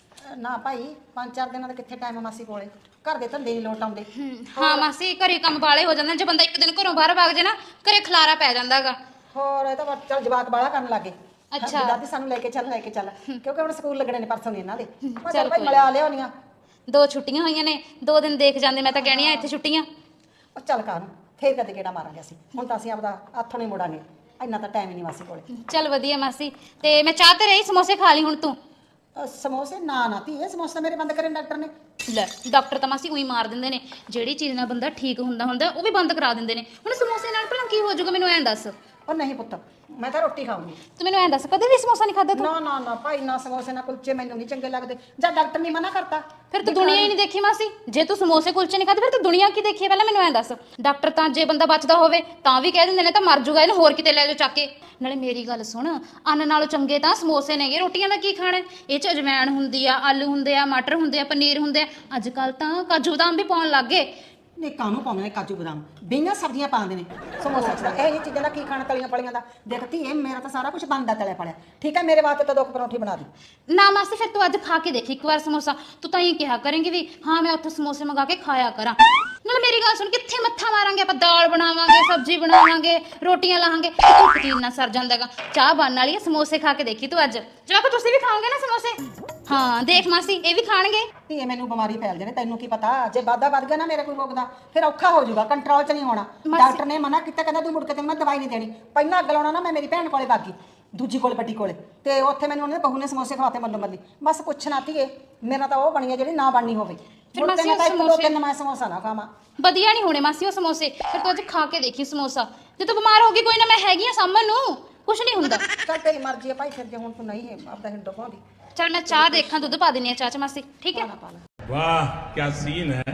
Speaker 3: ਨਾ ਭਾਈ 5-4 ਦਿਨਾਂ ਦਾ ਕਿੱਥੇ ਟਾਈਮ ਮਾਸੀ ਕੋਲੇ, ਘਰ ਦੇ ਧੰਦੇ ਨਹੀਂ ਲੋਟ ਆਉਂਦੇ।
Speaker 1: ਹਾਂ ਮਾਸੀ, ਘਰੇ ਕੰਮ ਬਾਲੇ ਹੋ ਜਾਂਦੇ, ਜੇ ਬੰਦਾ ਇੱਕ ਦਿਨ ਘਰੋਂ ਬਾਹਰ ਵਗ ਜੇ ਨਾ, ਘਰੇ ਖਲਾਰਾ ਪੈ ਜਾਂਦਾਗਾ।
Speaker 3: ਹੋਰ ਇਹ ਤਾਂ ਬਸ ਚੱਲ ਜਵਾਕ ਬਾਹਲਾ ਕਰਨ ਲੱਗੇ।
Speaker 1: ਅੱਛਾ।
Speaker 3: ਦਾਦੀ ਸਾਨੂੰ ਲੈ ਕੇ ਚੱਲ ਕਿਉਂਕਿ ਹੁਣ ਸਕੂਲ ਲੱਗਣੇ ਨੇ ਪਰਸੋਂ ਦੀ ਇਹਨਾਂ ਦੇ। ਮੈਂ
Speaker 1: ਚੱਲ
Speaker 3: ਚੱਲ ਭਾਈ
Speaker 1: ਕੋਈ
Speaker 3: ਮਿਲਿਆ ਲਿਆਉਣੀਆਂ।
Speaker 1: 2 ਛੁੱਟੀਆਂ ਹੋਈਆਂ ਨੇ, 2 ਦਿਨ ਦੇਖ ਜਾਂਦੇ, ਮੈਂ ਤਾਂ ਕਹਿਣੀ ਆ ਇੱਥੇ ਛੁੱਟੀਆਂ।
Speaker 3: ਉਹ ਚੱਲ ਕਾਹਨੂੰ, ਫੇਰ ਕਦੇ ਕਿਹੜਾ ਮਾਰਾਂਗੇ ਅਸੀਂ, ਹੁਣ ਤਾਂ ਅਸੀਂ ਆਪਦਾ ਹੱਥੋਂ ਨਹੀਂ ਮੁੜਾਂਗੇ, ਇੰਨਾ ਤਾਂ ਟਾਈਮ ਹੀ ਨਹੀਂ ਮਾਸੀ ਕੋਲੇ।
Speaker 1: ਚੱਲ ਵਧੀਆ ਮਾਸੀ, ਤੇ ਮੈਂ ਚਾਹ ਤੇ ਰਹੀ, ਸਮੋਸੇ ਖਾ ਲਈ ਹੁਣ ਤੂੰ।
Speaker 3: ਸਮੋਸੇ ਨਾ ਧੀਏ, ਸਮੋਸੇ ਮੇਰੇ ਬੰਦ ਕਰੇ ਡਾਕਟਰ ਨੇ।
Speaker 1: ਲੈ ਡਾਕਟਰ ਤਾਂ ਮਾਸੀ ਉਹੀ ਮਾਰ ਦਿੰਦੇ ਨੇ, ਜਿਹੜੀ ਚੀਜ਼ ਨਾਲ ਬੰਦਾ ਠੀਕ ਹੁੰਦਾ ਉਹ ਵੀ ਬੰਦ ਕਰਾ ਦਿੰਦੇ ਨੇ। ਹੁਣ ਸਮੋਸੇ ਨਾਲ ਭਲਾ ਕੀ ਹੋ ਜਾਊਗਾ, ਮੈਨੂੰ ਐਂ ਦੱਸ।
Speaker 3: ਉਹ ਨਹੀਂ ਪੁੱਤ, ਮੈਂ ਤਾਂ ਰੋਟੀ ਖਾਊਂਗੀ।
Speaker 1: ਤੂੰ ਮੈਨੂੰ ਐਂ ਦੱਸ, ਕਦੇ ਵੀ ਸਮੋਸਾ ਨਹੀਂ ਖਾਦਾ ਤੂੰ?
Speaker 3: ਨਾ ਭਾਈ, ਨਾ ਸਮੋਸੇ ਨਾ ਕੁਲਚੇ ਮੈਨੂੰ ਨਹੀਂ ਚੰਗੇ ਲੱਗਦੇ, ਜਾਂ ਡਾਕਟਰ ਨੇ ਮਨਾ ਕਰਤਾ।
Speaker 1: ਫਿਰ ਤੂੰ ਦੁਨੀਆ ਹੀ ਨਹੀਂ ਦੇਖੀ ਮਾਸੀ। ਜੇ ਤੂੰ ਸਮੋਸੇ ਕੁਲਚੇ ਨਹੀਂ ਖਾਦੇ, ਫਿਰ ਤੂੰ ਦੁਨੀਆ ਕੀ ਦੇਖੀ ਹੈ? ਪਹਿਲਾਂ ਮੈਨੂੰ ਐਂ ਦੱਸ। ਡਾਕਟਰ ਤਾਂ ਜੇ ਬੰਦਾ ਬਚਦਾ ਹੋਵੇ ਤਾਂ ਵੀ ਕਹਿ ਦਿੰਦੇ ਨੇ ਤਾਂ ਮਰ ਜੂਗਾ, ਇਹਨੂੰ ਹੋਰ ਕਿਤੇ ਲੈ ਜਾਓ ਚੱਕ ਕੇ। ਨਾਲੇ ਮੇਰੀ ਗੱਲ ਸੁਣ, ਅੰਨ ਨਾਲੋਂ ਚੰਗੇ ਤਾਂ ਸਮੋਸੇ ਨੇਗੇ। ਰੋਟੀਆਂ ਦਾ ਕੀ ਖਾਣਾ? ਇਹ ਚ ਅਜਵਾਇਣ ਹੁੰਦੀ ਆ, ਆਲੂ ਹੁੰਦੇ ਆ, ਮਟਰ ਹੁੰਦੇ ਆ, ਪਨੀਰ ਹੁੰਦੇ ਆ, ਅੱਜ ਕੱਲ ਤਾਂ ਕਾਜੂ ਬਦਾਮ ਵੀ ਪਾਉਣ ਲੱਗ ਗਏ।
Speaker 3: ਨੇ ਕਾਹਨੂੰ ਪਾਉਂਦੇ ਨੇ ਕਾਜੂ ਬਦਾਮ, ਬਈਆਂ ਸਬਜ਼ੀਆਂ ਪਾਉਂਦੇ ਨੇ ਸਮੋਸੇ ਚ। ਇਹ ਜਿਹੀ ਚੀਜ਼ਾਂ ਦਾ ਕੀ ਖਾਣਾ, ਤਲੀਆਂ ਪਲੀਆਂ ਦਾ। ਦੇਖਤੀ ਇਹ ਮੇਰਾ ਤਾਂ ਸਾਰਾ ਕੁਝ ਬਣਦਾ ਤਲਿਆ ਪਲਿਆ। ਠੀਕ ਹੈ, ਮੇਰੇ ਵਾਸਤੇ ਤਾਂ 2 ਪਰੌਂਠੀ ਬਣਾ ਦੀ।
Speaker 1: ਨਾ ਮਾਸੀ, ਫਿਰ ਤੂੰ ਅੱਜ ਖਾ ਕੇ ਦੇਖ ਇੱਕ ਵਾਰ ਸਮੋਸਾ, ਤੂੰ ਤਾਂ ਇਹ ਕਿਹਾ ਕਰੇਂਗੀ ਵੀ ਹਾਂ ਮੈਂ ਉੱਥੇ ਸਮੋਸੇ ਮੰਗਾ ਕੇ ਖਾਇਆ ਕਰਾਂ। ਨਾਲ ਮੇਰੀ ਗੱਲ ਸੁਣ, ਕਿੱਥੇ ਮੱਥਾ ਮਾਰਾਂਗੇ ਆਪਾਂ? ਦਾਲ ਬਣਾਵਾਂਗੇ, ਸਬਜ਼ੀ ਬਣਾਵਾਂਗੇ, ਰੋਟੀਆਂ ਲਾਹਾਂਗੇ, ਇੱਕ ਚੀਜ਼ ਨਾਲ ਸਰ ਜਾਂਦਾਗਾ। ਚਾਹ ਬਣਨ ਵਾਲੀ ਹੈ, ਸਮੋਸੇ ਖਾ ਕੇ ਦੇਖੀ ਤੂੰ ਅੱਜ। ਜਵਾਕ ਤੁਸੀਂ ਵੀ ਖਾਓਗੇ ਨਾ ਸਮੋਸੇ? ਹਾਂ ਦੇਖ ਮਾਸੀ, ਇਹ ਵੀ ਖਾਣਗੇ।
Speaker 3: ਧੀਏ ਮੈਨੂੰ ਬਿਮਾਰੀ ਫੈਲ ਜਾਵੇ, ਤੈਨੂੰ ਕੀ ਪਤਾ, ਜੇ ਵਾਧਾ ਵੱਧ ਗਿਆ ਨਾ ਮੇਰੇ ਕੋਈ ਰੋਗ ਦਾ, ਫਿਰ ਔਖਾ ਹੋ ਜਾਊਗਾ, ਕੰਟਰੋਲ 'ਚ ਨਹੀਂ ਹੋਣਾ। ਡਾਕਟਰ ਨੇ ਮਨਾ ਕੀਤਾ, ਕਹਿੰਦਾ ਤੂੰ ਮੁੜ ਕੇ ਤੈਨੂੰ ਮੈਂ ਦਵਾਈ ਨਹੀਂ ਦੇਣੀ। ਪਹਿਲਾਂ ਅੱਗ ਲਾਉਣਾ ਨਾ, ਮੈਂ ਮੇਰੀ ਭੈਣ ਕੋਲੇ ਬਾਗੀ, ਦੂਜੀ ਕੋਲੇ, ਵੱਡੀ ਕੋਲੇ, ਤੇ ਉੱਥੇ ਮੈਨੂੰ ਉਹਨੇ ਬਹੂ ਨੇ ਸਮੋਸੇ ਖਵਾਤੇ ਮੱਲੋ ਮੱਲੀ। ਬਸ ਪੁੱਛਣਾ ਧੀਏ, ਮੇਰਾ ਤਾਂ ਉਹ ਬਣੀ ਹੈ ਜਿਹੜੀ ਨਾ ਬਣਨੀ ਹੋਵੇ।
Speaker 1: ਫਿਰ ਮਾਸੀ ਉਹ
Speaker 3: ਮੈਂ ਸਮੋਸਾ ਨਾ ਖਾਵਾਂ,
Speaker 1: ਵਧੀਆ ਨਹੀਂ ਹੋਣੇ ਮਾਸੀ ਉਹ ਸਮੋਸੇ। ਫਿਰ ਤੂੰ ਅੱਜ ਖਾ ਕੇ ਦੇਖੀ ਸਮੋਸਾ, ਜੇ ਤੂੰ ਬਿਮਾਰ ਹੋ ਗਈ ਕੋਈ ਨਾ, ਮੈਂ ਹੈਗੀ ਆ ਸਾਂਭਣ ਨੂੰ, ਕੁਛ ਨਹੀਂ ਹੁੰਦਾ।
Speaker 3: ਚੱਲ ਤੇਰੀ ਮਰਜ਼ੀ ਹੈ ਭਾਈ, ਫਿਰ ਜੇ ਹੁਣ ਤੂੰ ਨਹੀਂ ਹੈ ਆਪਦਾ ਹਿੰਡੋ ਪਾਉਂਦੀ।
Speaker 1: ਚੱਲ ਮੈਂ ਚਾਹ ਦੇਖਾਂ, ਦੁੱਧ ਪਾ ਦਿੰਨੀ ਆ ਚਾਹ ਚ ਮਾਸੀ, ਠੀਕ ਹੈ?
Speaker 5: वाह क्या सीन है।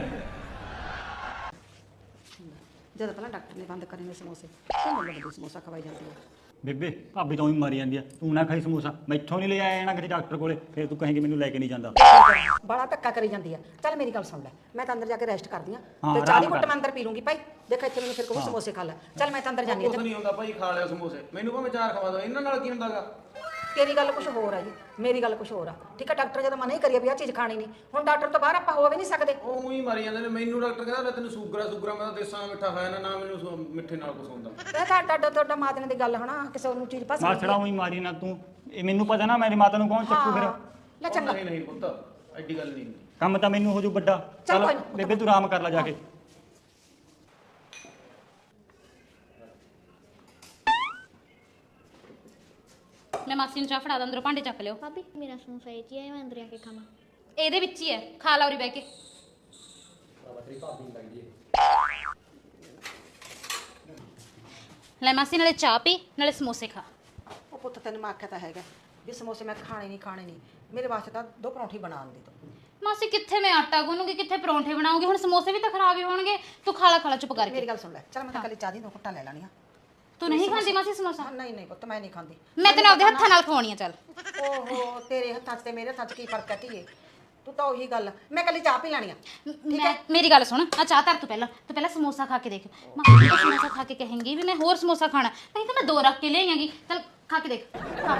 Speaker 3: ਜਦੋਂ ਪਹਿਲਾਂ ਡਾਕਟਰ ਨੇ ਬੰਦ ਕਰੇ ਨੇ ਸਮੋਸੇ, ਤੇ ਮੈਨੂੰ ਲੱਗੀ ਸਮੋਸਾ ਖਵਾਈ ਜਾਂਦੀ ਹੈ।
Speaker 7: ਬੇਬੇ ਭਾਬੀ ਤਾਂ ਹੀ ਮਾਰੀ ਜਾਂਦੀ ਆ, ਤੂੰ ਨਾ ਖਾਈ ਸਮੋਸਾ, ਮੈਥੋਂ ਨਹੀਂ ਲੈ ਆਇਆ ਜਾਣਾ ਕਿਸੇ ਡਾਕਟਰ ਕੋਲੇ, ਫਿਰ ਤੂੰ ਕਹੇਂਗੀ ਮੈਨੂੰ ਲੈ ਕੇ ਨਹੀਂ ਜਾਂਦਾ।
Speaker 3: ਬੜਾ ਧੱਕਾ ਕਰੀ ਜਾਂਦੀ ਆ। ਚੱਲ ਮੇਰੀ ਗੱਲ ਸੁਣ ਲੈ, ਮੈਂ ਤਾਂ ਅੰਦਰ ਜਾ ਕੇ ਰੈਸਟ ਕਰਦੀ ਆ,
Speaker 7: ਹਾਂ,
Speaker 3: ਤੇ
Speaker 7: ਆਰਾਮ
Speaker 3: ਚਾਹ ਦੀ
Speaker 7: ਕਰ।
Speaker 3: ਘੁੱਟ ਮੈਂ ਅੰਦਰ ਪੀ ਲੂੰਗੀ ਭਾਈ। ਦੇਖ ਇੱਥੇ ਮੈਨੂੰ ਫਿਰ ਕਹੂ ਸਮੋਸੇ ਖਾ ਲੈ। ਚੱਲ ਮੈਂ ਤਾਂ ਅੰਦਰ ਜਾਂਦੀ
Speaker 4: ਕੁਝ
Speaker 3: ਆ।
Speaker 4: ਨਹੀਂ ਹੁੰਦਾ ਭਾਈ, ਖਾ ਲਿਓ ਸਮੋਸੇ, ਮੈਨੂੰ ਭਾਵੇਂ 4 ਖਵਾ ਦਿਓ, ਇਹਨਾਂ ਨਾਲ ਕੀ ਹੁੰਦਾਗਾ?
Speaker 3: ਤੇਰੀ ਗੱਲ ਕੁਝ ਹੋਰ ਆ ਜੀ, ਮੇਰੀ ਗੱਲ ਕੁਝ ਹੋਰ ਆ। ਠੀਕ ਹੈ, ਡਾਕਟਰ ਜਦੋਂ ਮਨਾ ਹੀ ਕਰੀਏ ਵੀ ਆਹ ਚੀਜ਼ ਖਾਣੀ ਨਹੀਂ, ਹੁਣ ਡਾਕਟਰ ਤੋਂ ਬਾਹਰ ਆਪਾਂ ਹੋ ਵੀ ਨਹੀਂ ਸਕਦੇ।
Speaker 4: ਉਹ ਹੀ ਮਾਰੀ ਜਾਂਦੇ ਨੇ ਮੈਨੂੰ। ਡਾਕਟਰ ਕਹਿੰਦਾ ਤੈਨੂੰ ਸ਼ੂਗਰ ਮੈਂ ਤਾਂ ਦੇਸਾਂ ਮਿੱਠਾ ਖਾਇਆ ਨਾ ਮੈਨੂੰ ਮਿੱਠੇ ਨਾਲ ਕੁਛ ਹੁੰਦਾ।
Speaker 3: ਇਹ ਤਾਂ ਤੁਹਾਡਾ ਮਾਦਨ ਦੀ ਗੱਲ ਹਨਾ, ਕਿਸੇ ਨੂੰ ਚੀਜ਼ ਪਸੰਦ
Speaker 7: ਮਾਸੜਾ ਉਹੀ ਮਾਰੀ ਨਾ ਤੂੰ, ਇਹ ਮੈਨੂੰ ਪਤਾ ਨਾ ਮੇਰੀ ਮਾਤਾ ਨੂੰ ਕੌਣ ਚੱਕੂ ਫਿਰ।
Speaker 3: ਲੈ ਚੰਗਾ,
Speaker 4: ਨਹੀਂ ਪੁੱਤ, ਐਡੀ ਗੱਲ ਨਹੀਂ ਹੁੰਦੀ।
Speaker 7: ਕੰਮ ਤਾਂ ਮੈਨੂੰ ਹੋ ਜੂ ਵੱਡਾ।
Speaker 3: ਚੱਲ
Speaker 7: ਚੱਲ
Speaker 3: ਕੋਈ ਨਾ।
Speaker 7: ਬੇਬੇ ਤੂੰ ਆਰਾਮ ਕਰ ਲੈ ਜਾ ਕੇ।
Speaker 1: ਮੈਂ ਮਾਸੀ ਨੂੰ ਚਾਹ ਫੜਾ ਦਾਂ, ਅੰਦਰੋਂ ਭਾਂਡੇ ਚੱਕ ਲਿਓ।
Speaker 8: ਭਾਬੀ ਮੇਰਾ ਸਮੋਸਾ ਇਹ ਚ ਹੈ, ਮੈਂ ਅੰਦਰ ਆ ਕੇ ਖਾਵਾਂ?
Speaker 1: ਇਹਦੇ ਵਿੱਚ ਹੀ ਹੈ, ਖਾ ਲਾ ਉਰੀ ਬਹਿ ਕੇ। ਲੈ ਮਾਸੀ, ਨਾਲੇ ਚਾਹ ਪੀ ਨਾਲੇ ਸਮੋਸੇ ਖਾ।
Speaker 3: ਉਹ ਪੁੱਤ ਤੈਨੂੰ ਮੈਂ ਆਖਿਆ ਤਾਂ ਹੈਗਾ ਵੀ ਸਮੋਸੇ ਮੈਂ ਖਾਣੇ ਨਹੀਂ, ਮੇਰੇ ਵਾਸਤੇ ਤਾਂ 2 ਪਰੌਂਠੀ ਬਣਾਉਣ ਦੀ ਤੂੰ।
Speaker 1: ਮਾਸੀ ਕਿੱਥੇ ਮੈਂ ਆਟਾ ਗੁੰਨੂਗੀ, ਕਿੱਥੇ ਪਰੌਂਠੇ ਬਣਾਉਂਗੀ, ਹੁਣ ਸਮੋਸੇ ਵੀ ਤਾਂ ਖਰਾਬ ਹੀ ਹੋਣਗੇ। ਤੂੰ ਖਾ ਲਾ ਚੁੱਪ ਕਰਕੇ।
Speaker 3: ਮੇਰੀ ਗੱਲ ਸੁਣ ਲੈ, ਚੱਲ ਮੈਂ ਤਾਂ ਕੱਲੀ ਚਾਹ ਦੀ 2 ਘੁੱਟਾਂ ਲੈ ਲੈਣੀਆਂ।
Speaker 1: ਤੂੰ ਨਹੀਂ ਖਾਂਦੀ ਮਾਸੀ ਸਮੋਸਾ?
Speaker 3: ਨਹੀਂ ਪੁੱਤ ਮੈਂ ਨਹੀਂ ਖਾਂਦੀ।
Speaker 1: ਮੈਂ ਤੈਨੂੰ ਆਪਦੇ ਹੱਥਾਂ ਨਾਲ ਖਵਾਉਣੀ ਆ। ਚੱਲ
Speaker 3: ਓਹੋ, ਤੇਰੇ ਹੱਥਾਂ 'ਚ ਤੇ ਮੇਰੇ ਹੱਥਾਂ 'ਚ ਕੀ ਫਰਕ ਹੈ ਧੀਏ? ਤੂੰ ਤਾਂ ਉਹੀ ਗੱਲ, ਮੈਂ ਕੱਲੀ ਚਾਹ ਪੀ ਲੈਣੀ ਆ।
Speaker 1: ਮੇਰੀ ਗੱਲ ਸੁਣ, ਆ ਚਾਹ ਧਰ, ਤੂੰ ਪਹਿਲਾਂ ਸਮੋਸਾ ਖਾ ਕੇ ਦੇਖ। ਮਾਸੀ ਤੂੰ ਸਮੋਸਾ ਖਾ ਕੇ ਕਹੇਂਗੀ ਵੀ ਮੈਂ ਹੋਰ ਸਮੋਸਾ ਖਾਣਾ, ਨਹੀਂ ਤਾਂ ਮੈਂ 2 ਰੱਖ ਕੇ ਲੈ ਆਂਗੀ। ਚੱਲ ਖਾ ਕੇ ਦੇਖ।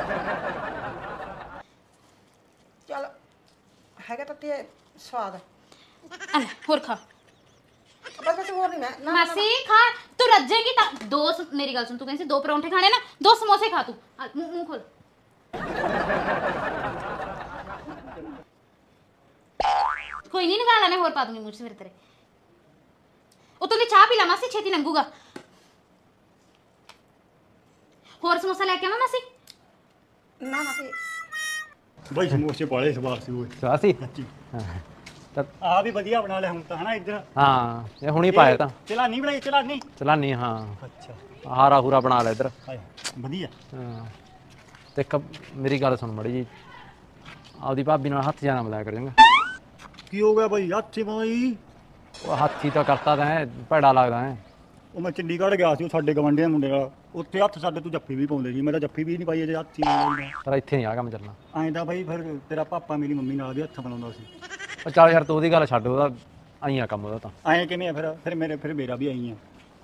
Speaker 3: ਚੱਲ ਹੈਗਾ ਤਾਂ ਤੇ ਸਵਾਦ।
Speaker 1: ਆ ਲੈ ਹੋਰ ਖਾ।
Speaker 3: ਬਸ ਹੋਰ ਨਹੀਂ ਮੈਂ
Speaker 1: ਮਾਸੀ ਖਾ, ਤੂੰ ਰੱਜੇਗੀ ਤਾਂ ਮੇਰੀ ਗੱਲ ਸੁਣ, ਤੂੰ ਕਹਿੰਦੀ ਸੀ 2 ਪਰੌਂਠੇ ਖਾਣੇ ਨਾ, 2 ਸਮੋਸੇ ਖਾ ਤੂੰ। ਮੂੰਹ ਖੋਲ। ਕੋਈ ਨਹੀਂ, ਨਿਕਾਲ ਮੈਂ ਹੋਰ ਪਾ ਦੂੰਗੀ ਮੂੰਹ 'ਚ ਫਿਰ ਤੇਰੇ। ਉਤੋਂ ਦੀ ਚਾਹ ਪੀ ਲਾ ਮਾਸੀ, ਛੇਤੀ ਲੰਘੂਗਾ। ਹੋਰ ਸਮੋਸਾ ਲੈ ਕੇ ਆਵਾਂ ਮਾਸੀ?
Speaker 3: ਨਾ ਤੇ
Speaker 7: ਬਈ ਸਮੋਸੇ ਪਾਲੇ ਸਵਾਦ ਸੀ ਓਏ।
Speaker 6: ਸਵਾਸੀ
Speaker 7: ਆ ਵੀ ਵਧੀਆ ਬਣਾ ਲਿਆ ਹੁਣ ਤਾਂ ਹਨਾ ਇੱਧਰ।
Speaker 6: ਹਾਂ, ਇਹ ਹੁਣੀ ਪਾਇਆ ਤਾਂ
Speaker 7: ਚਲਾਨੀ ਬਣਾਈ, ਚਲਾਨੀ।
Speaker 6: ਚਲਾਨੀ। ਹਾਂ,
Speaker 7: ਅੱਛਾ
Speaker 6: ਹਾਰਾ ਹੂਰਾ ਬਣਾ ਲੈ ਇੱਧਰ।
Speaker 7: ਹਾਏ ਵਧੀਆ।
Speaker 6: ਹਾਂ, ਤੇ ਮੇਰੀ ਗੱਲ ਸੁਣ ਮੜੀ ਜੀ, ਆਪਦੀ ਭਾਬੀ ਨਾਲ ਹੱਥ ਜਾਣਾ ਮਿਲਾਇਆ ਕਰ ਚੰਗਾ।
Speaker 7: ਕੀ ਹੋ ਗਿਆ ਬਈ? ਹੱਥੀ ਬਾਈ
Speaker 6: ਉਹ ਹੱਥੀ ਤਾਂ ਕਰਤਾ ਤੈਂ, ਭੈੜਾ ਲੱਗਦਾ ਹੈ।
Speaker 7: ਉਹ ਮੈਂ ਚੰਡੀਗੜ੍ਹ ਗਿਆ ਸੀ, ਉਹ ਸਾਡੇ ਗਵਾਂਢੀਆਂ ਮੁੰਡੇ ਨਾਲ, ਉੱਥੇ ਹੱਥ ਸਾਡੇ ਤੂੰ ਜੱਫੀ ਵੀ ਪਾਉਂਦੇ ਸੀ। ਮੈਂ ਤਾਂ ਜੱਫੀ ਵੀ ਨਹੀਂ ਪਾਈ ਅਜੇ ਹੱਥੀ ਨਾਲ।
Speaker 6: ਪਰ ਇੱਥੇ ਨਹੀਂ ਆ ਕੰਮ ਚੱਲਣਾ।
Speaker 7: ਐਂ ਤਾਂ ਬਈ ਫਿਰ ਤੇਰਾ ਪਾਪਾ ਮੇਰੀ ਮੰਮੀ ਨਾਲ ਵੀ ਹੱਥ ਬਣਾਉਂਦਾ ਸੀ।
Speaker 6: ਉਹ ਚੱਲ ਯਾਰ, ਤੂੰ ਉਹਦੀ ਗੱਲ ਛੱਡ, ਉਹਦਾ ਆਈ ਆ ਕੰਮ ਉਹਦਾ ਤਾਂ।
Speaker 7: ਐਂ ਕਿਵੇਂ ਆ ਫਿਰ ਮੇਰਾ ਵੀ ਆਈ ਆ।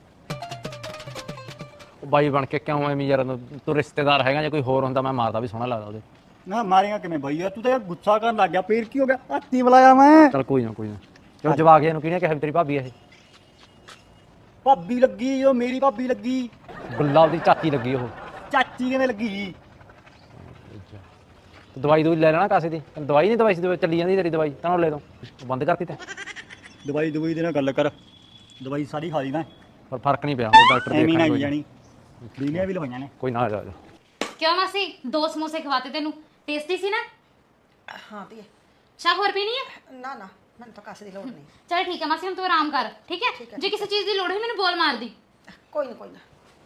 Speaker 6: ਉਹ ਬਾਈ ਬਣ ਕੇ ਕਿਉਂ ਐਵੇਂ ਯਾਰ, ਤੂੰ ਰਿਸ਼ਤੇਦਾਰ ਹੈਗਾ, ਜੇ ਕੋਈ ਹੋਰ ਹੁੰਦਾ ਮੈਂ ਮਾਰਦਾ ਵੀ ਸੋਹਣਾ ਲੱਗਦਾ ਉਹਦੇ।
Speaker 7: ਨਾ ਮਾਰੇਗਾ ਕਿਵੇਂ ਬਈ ਯਾਰ? ਤੂੰ ਤਾਂ ਯਾਰ ਗੁੱਸਾ ਕਰਨ ਲੱਗ ਗਿਆ। ਫੇਰ ਕੀ ਹੋ ਗਿਆ? ਹੱਥੀ ਬੁਲਾਇਆ ਮੈਂ।
Speaker 6: ਚੱਲ ਕੋਈ ਨਾ ਕਿਉਂ ਜਵਾਕ ਇਹਨੂੰ ਕਿਹਨੇ ਕਿਹਾ ਵੀ ਤੇਰੀ ਭਾਬੀ ਇਹ?
Speaker 7: ਭਾਬੀ ਲੱਗੀ ਉਹ, ਮੇਰੀ ਭਾਬੀ ਲੱਗੀ।
Speaker 6: ਗੁੱਲਾ ਉਹਦੀ ਚਾਚੀ ਲੱਗੀ ਉਹ।
Speaker 7: ਚਾਚੀ ਕਿਵੇਂ ਲੱਗੀ?
Speaker 6: ਦਵਾਈ ਦੂਈ ਲੈ ਲੈਣਾ ਕਾਸੇ ਦੀ। ਦਵਾਈ ਨਹੀਂ ਦਵਾਈ ਸੀ, ਚੱਲੀ ਜਾਂਦੀ ਤੇਰੀ ਦਵਾਈ ਤਾਂ ਲੈ ਦੋ, ਬੰਦ ਕਰਤੀ ਤੈਂ।
Speaker 7: ਦਵਾਈ ਦੇ ਨਾਲ ਗੱਲ ਕਰ। ਦਵਾਈ ਸਾਰੀ ਖਾ ਲਈ ਮੈਂ,
Speaker 6: ਪਰ ਫਰਕ ਨਹੀਂ ਪਿਆ, ਉਹ ਡਾਕਟਰ
Speaker 7: ਐਵੇਂ ਨਾ
Speaker 6: ਦੇਖਣ
Speaker 7: ਜਾਣੀ। ਬੀਲੀਆਂ ਵੀ ਲਵਾਈਆਂ ਨੇ।
Speaker 6: ਕੋਈ ਨਾ ਆ ਜਾ।
Speaker 1: ਕਿਉਂ ਮਾਸੀ, 2 ਸਮੋਸੇ ਖਵਾਤੇ ਤੈਨੂੰ, ਟੇਸਟੀ ਸੀ ਨਾ?
Speaker 3: ਹਾਂ ਧੀਏ।
Speaker 1: ਚਾਹ ਹੋਰ ਪੀਣੀ ਹੈ?
Speaker 3: ਨਾ ਮੈਨੂੰ ਤਾਂ ਕਾਸੇ ਦੀ ਲੋੜ ਨਹੀਂ।
Speaker 1: ਚਲ ਠੀਕ ਹੈ ਮਾਸੀ, ਹੁਣ ਤੂੰ ਆਰਾਮ ਕਰ, ਠੀਕ ਹੈ? ਜੇ ਕਿਸੇ ਚੀਜ਼ ਦੀ ਲੋੜ ਹੋਈ ਮੈਨੂੰ ਬੋਲ ਮਾਰਦੀ।
Speaker 3: ਕੋਈ ਨਾ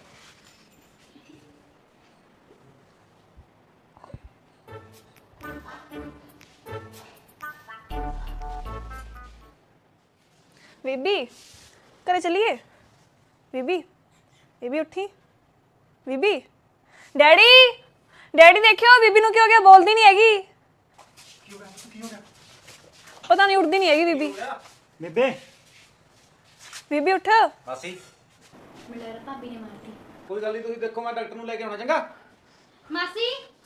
Speaker 9: ਬੀਬੀ ਘਰੇ ਚੱਲੀਏ? ਬੀਬੀ ਉੱਠੀ। ਬੀਬੀ ਡੈਡੀ ਦੇਖਿਓ, ਬੀਬੀ ਨੂੰ ਕੀ ਹੋ ਗਿਆ? ਬੋਲਦੀ ਨਹੀਂ ਹੈਗੀ। ਕੀ ਹੋ ਗਿਆ? ਪਤਾ ਨਹੀਂ, ਉੱਠਦੀ ਨਹੀਂ ਹੈਗੀ ਬੀਬੀ। ਬੀਬੀ ਉੱਠ।
Speaker 6: ਮਾਸੀ
Speaker 8: ਮੇਰਾ ਭਾਬੀ ਨੇ ਮਾਰਤੀ।
Speaker 6: ਕੋਈ ਗੱਲ ਨਹੀਂ, ਤੁਸੀਂ ਦੇਖੋ, ਮੈਂ ਡਾਕਟਰ ਨੂੰ ਲੈ ਕੇ ਆਉਣਾ ਚੰਗਾ।
Speaker 1: ਮਾਸੀ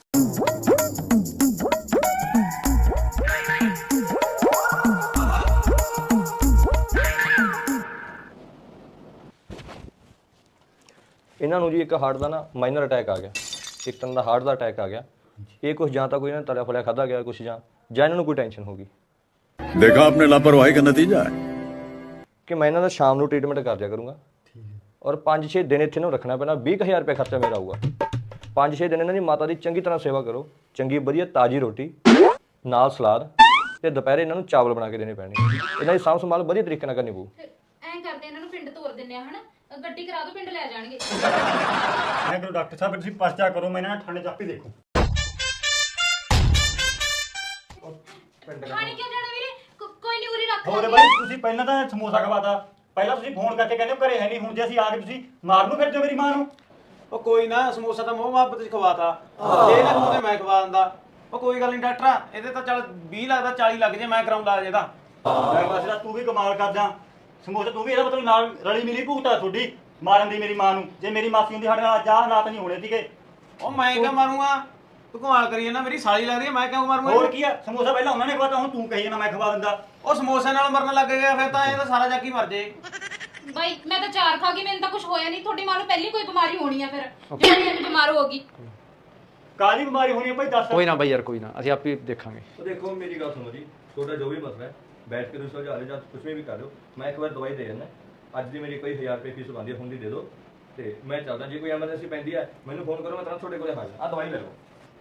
Speaker 10: ਇਹਨਾਂ ਨੂੰ ਜੀ ਇੱਕ ਹਾਰਟ ਦਾ ਨਾ ਮਾਈਨਰ ਅਟੈਕ ਆ ਗਿਆ, ਇੱਕ ਤਰ੍ਹਾਂ ਦਾ ਹਾਰਟ ਦਾ ਅਟੈਕ ਆ ਗਿਆ। ਇਹ ਕੁਝ ਜਾਂ ਤਾਂ ਕੋਈ ਇਹਨਾਂ ਤਲਿਆ ਫਲਿਆ ਖਾਧਾ ਗਿਆ ਕੁਝ, ਜਾਂ ਇਹਨਾਂ ਨੂੰ ਕੋਈ ਟੈਨਸ਼ਨ ਹੋ ਗਈ।
Speaker 11: देखा आपने लापरवाही का नतीजा है
Speaker 10: ਕਿ ਮੈਂ ਇਹਨਾਂ ਦਾ ਸ਼ਾਮ ਨੂੰ ਟ੍ਰੀਟਮੈਂਟ ਕਰ ਦਿਆ ਕਰੂੰਗਾ, ਔਰ 5-6 ਦਿਨ ਇੱਥੇ ਨੂੰ ਰੱਖਣਾ ਪੈਣਾ। 20,000 ਰੁਪਏ ਖਰਚਾ ਮੇਰਾ ਆਊਗਾ। 5-6 ਦਿਨ ਇਹਨਾਂ ਦੀ ਮਾਤਾ ਦੀ ਚੰਗੀ ਤਰ੍ਹਾਂ ਸੇਵਾ ਕਰੋ, ਚੰਗੀ ਵਧੀਆ ਤਾਜ਼ੀ ਰੋਟੀ ਨਾਲ ਸਲਾਦ, ਤੇ ਦੁਪਹਿਰੇ ਇਹਨਾਂ ਨੂੰ ਚਾਵਲ ਬਣਾ ਕੇ ਦੇਣੇ ਪੈਣੇ। ਇਹਨਾਂ ਦੀ ਸਾਂਭ ਸੰਭਾਲ ਵਧੀਆ ਤਰੀਕੇ ਨਾਲ ਕਰਨੀ ਪਊ।
Speaker 1: ਐਂ ਕਰਦੇ, ਇਹਨਾਂ ਨੂੰ ਪਿੰਡ ਤੋਰ ਦਿੰਨੇ ਆ, ਹਨਾ? ਗੱਡੀ ਕਰਾ ਦੋ, ਪਿੰਡ ਲੈ ਜਾਣਗੇ।
Speaker 7: ਮੈਂ ਕਿਹਾ ਡਾਕਟਰ ਸਾਹਿਬ ਤੁਸੀਂ ਪਰਚਾ ਕਰੋ, ਮੈਂ ਇਹਨਾਂ ਠੰਡੇ ਚਾਪੀ ਦੇਖੋ।
Speaker 1: ਖਾਣੀ ਕਿਉਂ ਜਾਣਾ ਵੀਰੇ? ਕੋਈ ਨਹੀਂ, ਉਰੀ ਰੱਖ
Speaker 7: ਹੋਰ
Speaker 1: ਲਾਂਗੇ।
Speaker 7: ਬਾਈ ਤੁਸੀਂ ਪਹਿਲਾਂ ਤਾਂ ਸਮੋਸਾ ਖਵਾਤਾ, ਪਹਿਲਾਂ ਤੁਸੀਂ ਫੋਨ ਕਰਕੇ ਕਹਿੰਦੇ ਘਰੇ ਹੈ ਨਹੀਂ, ਹੁਣ ਜੇ ਅਸੀਂ ਆ ਕੇ ਤੁਸੀਂ ਮਾਰ ਨੂੰ ਫਿਰਦੇ ਹੋ ਮੇਰੀ ਮਾਂ ਨੂੰ।
Speaker 6: ਉਹ ਕੋਈ ਨਾ, ਸਮੋਸਾ ਤਾਂ ਮੋਹ ਮੁਹੱਬਤ ਚ ਖਵਾਤਾ, ਇਹ ਨਾ ਖਵਾਉਂਦੇ ਮੈਂ ਖਵਾ ਦਿੰਦਾ। ਉਹ ਕੋਈ ਗੱਲ ਨਹੀਂ ਡਾਕਟਰ, ਇਹਦੇ ਤਾਂ ਚੱਲ 20 ਲੱਗਦਾ 40 ਲੱਗ ਜੇ, ਮੈਂ ਕਰਾਉਂ ਲਾ ਇਹਦਾ।
Speaker 7: ਬਸ ਤੂੰ ਵੀ ਕਮਾਲ ਕਰਦਾ। ਸਮੋਸਾ ਤੂੰ ਵੀ ਇਹਦਾ ਮਤਲਬ ਨਾਲ ਰਲੀ ਮਿਲੀ ਭੂਤਾ ਤੁਹਾਡੀ ਮਾਰਨ ਦੀ ਮੇਰੀ ਮਾਂ ਨੂੰ। ਜੇ ਮੇਰੀ ਮਾਸੀ ਹੁੰਦੀ ਸਾਡੇ ਨਾਲ ਆਹ ਹਾਲਾਤ ਨਹੀਂ ਹੋਣੇ ਸੀਗੇ।
Speaker 6: ਉਹ ਮੈਂ ਕਿਉਂ ਮਾਰੂੰਗਾ? ਤੂੰ ਕਮਾਲ ਕਰੀ ਜਾਂਦਾ, ਮੇਰੀ ਸਾਲੀ ਲੱਗਦੀ ਹੈ, ਮੈਂ ਕਿਉਂ ਮਾਰੂੰਗਾ?
Speaker 7: ਹੋਰ ਕੀ ਆ, ਸਮੋਸਾ ਪਹਿਲਾਂ ਉਹਨਾਂ ਨੇ ਖਵਾਤਾ, ਹੁਣ ਤੂੰ ਕਹੀ ਜਾਂਦਾ ਮੈਂ ਖਵਾ ਦਿੰਦਾ।
Speaker 6: ਉਹ ਸਮੋਸੇ ਨਾਲ ਮਰਨ ਲੱਗ ਗਿਆ, ਫਿਰ ਤਾਂ ਇਹ ਤਾਂ ਸਾਰਾ ਜੱਗ ਹੀ ਮਰ ਜੇ।
Speaker 1: ਬਾਈ ਮੈਂ ਤਾਂ 4 ਖਾ ਗਈ, ਮੈਨੂੰ ਤਾਂ ਕੁਝ ਹੋਇਆ ਨਹੀਂ। ਤੁਹਾਡੀ ਮਾਂ ਨੂੰ ਪਹਿਲੀ ਕੋਈ ਬਿਮਾਰੀ ਹੋਣੀ ਆ, ਫਿਰ ਜਿਹੜੀ ਇਹ ਬਿਮਾਰ ਹੋ ਗਈ।
Speaker 7: ਕਾਹਦੀ ਬਿਮਾਰੀ ਹੋਣੀ ਹੈ ਭਾਈ ਦੱਸ।
Speaker 6: ਕੋਈ ਨਾ ਬਾਈ ਯਾਰ, ਕੋਈ ਨਾ, ਅਸੀਂ ਆਪੇ ਦੇਖਾਂਗੇ।
Speaker 10: तो देखो मेरी गल सुनो जी, छोटा जो भी मसला है बैठ के तुम सुलझा लो, कुछ भी कर लो। मैं एक बार दवाई दे देना, अज की मेरी कोई 1000 रुपये फीस बनती है, हुंदी दे दो, तो मैं चलदा। जो कोई एमरजेंसी पैंदी है मैनू फोन करो, मैं तुरंत थोड़े कोल हाजिर। आ दवाई ले लो।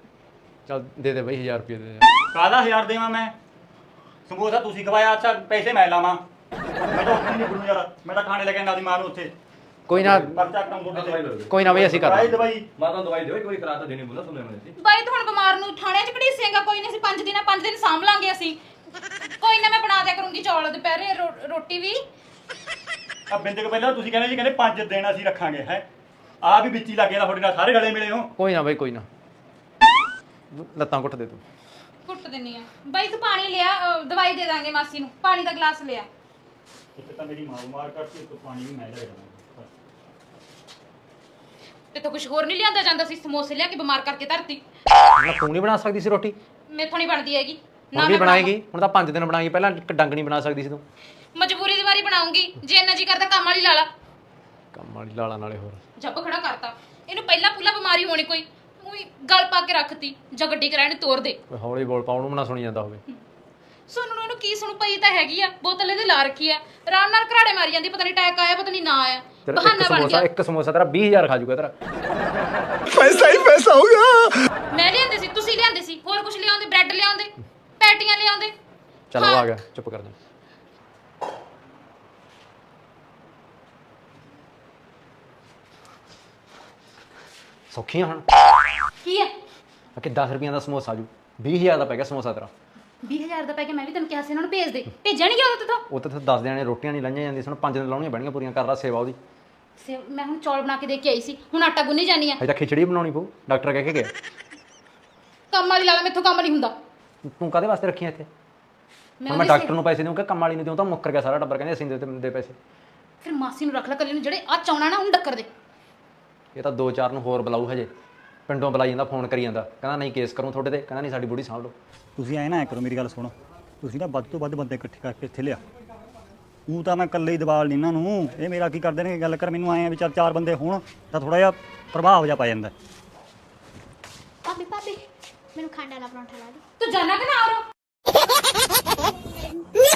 Speaker 6: ਚੱਲ ਦੇ ਦੇ ਬਈ 1000 ਰੁਪਏ ਦੇ ਦੇ।
Speaker 7: ਕਾਹਦਾ 1000 ਦੇਵਾਂ ਮੈਂ? ਸਮੋਸਾ ਤੁਸੀਂ ਖਵਾਇਆ, ਅੱਛਾ ਪੈਸੇ ਮੈਂ ਲਾਵਾਂ? ਮੈਂ ਤਾਂ ਉੱਥੇ ਨਹੀਂ ਗੁਰੂ ਯਾਰ, ਮੈਂ ਤਾਂ ਖਾਣੇ ਲੈ ਕੇ ਆਂਦਾ ਦੀ ਮਾਂ ਨੂੰ ਉੱਥੇ।
Speaker 6: ਕੋਈ ਨਾ
Speaker 7: ਪਰਚਾ ਕਟਾਉਂ ਤੁਹਾਡੇ ਤੇ।
Speaker 6: ਕੋਈ ਨਾ ਬਈ ਅਸੀਂ ਕਰ
Speaker 7: ਦਵਾਈ
Speaker 6: ਦਾਂਗੇ।
Speaker 7: ਦਵਾਈ
Speaker 10: ਮਾਤਾ ਦਵਾਈ ਦਿਓ, ਕੋਈ ਕਰਾ ਤਾਂ ਦੇਣੀ ਬੋਲਾ ਸੁਣਿਆ ਮੈਂ ਸੀ।
Speaker 1: ਬਾਈ ਤੂੰ ਹੁਣ ਬਿਮਾਰ ਨੂੰ ਥਾਣੇ 'ਚ ਘੜੀਸੇਂਗਾ, ਕੋਈ ਨਹੀਂ ਅਸੀਂ 5 ਦਿਨ ਸਾਂਭ ਲਾਂਗੇ ਅਸੀਂ। ਕੋਈ ਨਾ ਮੈਂ ਬਣਾ ਦਿਆ ਕਰੂੰਗੀ ਚੌਲ ਦੁਪਹਿਰੇ ਰੋਟੀ ਵੀ।
Speaker 7: ਆ ਬਿੰਦ ਕੇ ਪਹਿਲਾਂ ਤੁਸੀਂ ਕਹਿੰਦੇ ਜੀ, ਕਹਿੰਦੇ 5 ਦਿਨ ਅਸੀਂ ਰੱਖਾਂਗੇ ਹੈ। ਆ ਵੀ ਵਿੱਚ ਹੀ ਲੱਗ ਗਿਆ ਤੁਹਾਡੇ ਨਾਲ, ਸਾਰੇ ਗਲੇ ਮਿਲੇ ਹੋ।
Speaker 6: ਕੋਈ ਨਾ ਬਈ ਕੋਈ ਨਾ, ਲੱਤਾਂ ਘੁੱਟ ਦੇ ਤੂੰ।
Speaker 1: ਕੁੱਟ ਦਿੰਨੀ ਆ ਬਾਈ, ਤੂੰ ਪਾਣੀ ਲਿਆ, ਦਵਾਈ ਦੇ ਦਾਂਗੇ ਮਾਸੀ ਨੂੰ, ਪਾਣੀ ਦਾ ਗਲਾਸ ਲਿਆ।
Speaker 7: ਇੱਕ ਤਾਂ ਮੇਰੀ ਮਾਂ ਮਾਰ ਕਰਤੀ, ਇੱਕ ਪਾਣੀ ਵੀ ਮੈਂ ਲੈ ਜਾਣਾ।
Speaker 1: ਤੇ ਤਾਂ ਕੁਝ ਹੋਰ ਨਹੀਂ ਲਿਆਂਦਾ ਜਾਂਦਾ ਸੀ, ਸਮੋਸੇ ਲਿਆ ਕੇ ਬਿਮਾਰ ਕਰਕੇ ਧਰਤੀ।
Speaker 6: ਨਾ ਤੂੰ ਨਹੀਂ ਬਣਾ ਸਕਦੀ ਸੀ ਰੋਟੀ?
Speaker 1: ਮੈਥੋਂ ਨਹੀਂ ਬਣਦੀ ਹੈਗੀ
Speaker 6: ਹੁਣ ਵੀ ਬਣਾਏਗੀ? ਹੁਣ ਤਾਂ 5 ਦਿਨ ਬਣਾਏਗੀ, ਪਹਿਲਾਂ ਇੱਕ ਡੰਗ ਨਹੀਂ ਬਣਾ ਸਕਦੀ ਸੀ ਤੂੰ?
Speaker 1: ਮਜਬੂਰੀ ਦੀ ਵਾਰੀ ਬਣਾਉਂਗੀ, ਜੇ ਇੰਨਾ ਜੀ ਕਰਦਾ ਕੰਮ ਵਾਲੀ ਲਾ ਲਾ।
Speaker 6: ਕੰਮ ਵਾਲੀ ਲਾਲਾ ਨਾਲੇ ਹੋਰ
Speaker 1: ਜੱਬ ਖੜਾ ਕਰਤਾ ਇਹਨੂੰ, ਪਹਿਲਾਂ ਪੁੱਲਾ ਬਿਮਾਰੀ ਹੋਣੀ ਕੋਈ, ਉਹੀ ਗਲ ਪਾ ਕੇ ਰੱਖਤੀ, ਜਾਂ ਗੱਡੀ ਕਰਾਏ ਨੇ ਤੋੜ ਦੇ।
Speaker 6: ਕੋਈ ਹੌਲੀ ਬੋਲ ਪਾ, ਉਹਨੂੰ ਨਾ ਸੁਣੀ ਜਾਂਦਾ ਹੋਵੇ।
Speaker 1: ਸੁਣਨ ਨੂੰ ਇਹਨੂੰ ਕੀ ਸੁਣ ਪਈ ਤਾਂ ਹੈਗੀ ਆ, ਬੋਤਲ ਇਹਦੇ ਲਾ ਰੱਖੀ ਆ, ਆਰਾਮ ਨਾਲ ਘਰਾੜੇ ਮਾਰੀ ਜਾਂਦੀ, ਪਤਾ ਨਹੀਂ ਅਟੈਕ ਆਇਆ ਪਤਾ ਨਹੀਂ ਨਾ ਆਇਆ,
Speaker 6: ਤੇਰਾ
Speaker 1: ਬਹਾਨਾ ਬਣ ਗਿਆ।
Speaker 6: ਇੱਕ ਸਮੋਸਾ ਤੇਰਾ 20000 ਖਾ ਜੂਗਾ ਤੇਰਾ।
Speaker 11: पैसा ही पैसा होगा।
Speaker 1: ਮੈਂ ਲਿਆਂਦੇ ਸੀ, ਤੁਸੀਂ ਲਿਆਂਦੇ ਸੀ, ਹੋਰ ਕੁਝ ਲਿਆਉਂਦੇ, ਬ੍ਰੈਡ ਲਿਆਉਂਦੇ, ਪੈਟੀਆਂ ਲਿਆਉਂਦੇ।
Speaker 6: ਚੱਲ ਉਹ ਆ ਗਿਆ, ਚੁੱਪ ਕਰ ਜਾ। ਸੌਖੀਆਂ ਹੁਣ
Speaker 1: ਕੀ ਹੈ?
Speaker 6: ਕਿ 10 ਰੁਪਈਆਂ ਦਾ ਸਮੋਸਾ ਆਜੂ, 20000 ਦਾ ਪੈ ਗਿਆ ਸਮੋਸਾ ਤੇਰਾ।
Speaker 1: 20000 ਦਾ ਪੈ ਗਿਆ, ਮੈਂ ਵੀ ਤੈਨੂੰ ਕਿਹਾ ਸੀ ਇਹਨਾਂ ਨੂੰ ਭੇਜ ਦੇ, ਭੇਜਿਆ ਨਹੀਂ ਗਿਆ ਉਹਦੇ ਤੋਂ।
Speaker 6: ਉਹ ਤਾਂ 10 ਦਿਨਾਂ ਨੇ ਰੋਟੀਆਂ ਨਹੀਂ ਲਾਈਆਂ ਜਾਂਦੀਆਂ, ਸਾਨੂੰ 5 ਦਿਨ ਲਾਉਣੀਆਂ ਪੈਣੀਆਂ ਪੂਰੀਆਂ। ਕਰ ਲਾ ਸੇਵਾ ਉਹਦੀ।
Speaker 1: ਮੈਂ ਹੁਣ ਚੌਲ ਬਣਾ ਕੇ ਦੇ ਕੇ ਆਈ ਸੀ, ਹੁਣ ਆਟਾ ਗੁੰਨੀ ਜਾਨੀ ਆ।
Speaker 6: ਅਜੇ ਤਾਂ ਖਿਚੜੀ ਬਣਾਉਣੀ ਪਊ, ਡਾਕਟਰ ਕਹਿ ਕੇ ਗਿਆ।
Speaker 1: ਕੰਮ ਵਾਲੀ ਲਾ ਲਾ, ਮੈਥੋਂ ਕੰਮ ਨਹੀਂ ਹੁੰਦਾ।
Speaker 6: ਤੂੰ ਕਾਹਦੇ ਵਾਸਤੇ ਰੱਖੀਆਂ ਇੱਥੇ? ਹੁਣ ਮੈਂ ਡਾਕਟਰ ਨੂੰ ਪੈਸੇ ਦੇਵਾਂ ਕਿ ਕੰਮ ਵਾਲੀ ਨੂੰ ਦੇਵਾਂ? ਤਾਂ ਮੁੱਕਰ ਗਿਆ ਸਾਰਾ ਟੱਬਰ, ਕਹਿੰਦੇ ਅਸੀਂ ਦੇ ਪੈਸੇ।
Speaker 1: ਫਿਰ ਮਾਸੀ ਨੂੰ ਰੱਖ ਲੈ ਕੱਲੀ ਨੂੰ, ਜਿਹੜੇ ਆ ਚਾਉਣਾ ਨਾ ਉਹਨੂੰ ਡੱਕਰ ਦੇ।
Speaker 6: ਇਹ ਤਾਂ 2-4 ਨੂੰ ਹੋਰ ਬੁਲਾਊ ਹਜੇ, ਪਿੰਡੋਂ ਬੁਲਾਈ ਜਾਂਦਾ, ਫੋਨ ਕਰੀ ਜਾਂਦਾ, ਕਹਿੰਦਾ ਨਹੀਂ ਕੇਸ ਕਰੂੰ ਤੁਹਾਡੇ ਤੇ, ਕਹਿੰਦਾ ਨਹੀਂ ਸਾਡੀ ਬੁੜੀ ਸਾਂਭ ਲਓ।
Speaker 7: ਤੁਸੀਂ ਐ ਨਾ ਕਰੋ, ਮੇਰੀ ਗੱਲ ਸੁਣੋ, ਤੁਸੀਂ ਨਾ ਵੱਧ ਤੋਂ ਵੱਧ ਬੰਦੇ ਇਕੱਠੇ ਕਰਕੇ ਇੱਥੇ ਲਿਆ। ਉਹ ਤਾਂ ਮੈਂ ਇਕੱਲੇ ਹੀ ਦਬਾਲ ਨਹੀਂ ਇਹਨਾਂ ਨੂੰ, ਇਹ ਮੇਰਾ ਕੀ ਕਰਦੇ ਨੇ ਗੱਲ ਕਰ, ਮੈਨੂੰ ਆਏ ਆ ਵੀ ਚੱਲ 4 ਬੰਦੇ ਹੋਣ ਤਾਂ ਥੋੜਾ ਜਿਹਾ ਪ੍ਰਭਾਵ ਜਿਹਾ ਪੈ ਜਾਂਦਾ।
Speaker 8: ਭਾਬੀ ਭਾਬੀ ਮੈਨੂੰ ਖੰਡ ਵਾਲਾ ਪਰੌਂਠਾ ਲਾ ਦੇ।
Speaker 1: ਤੂੰ ਜਾਣਾ ਕਿ ਨਾ ਆ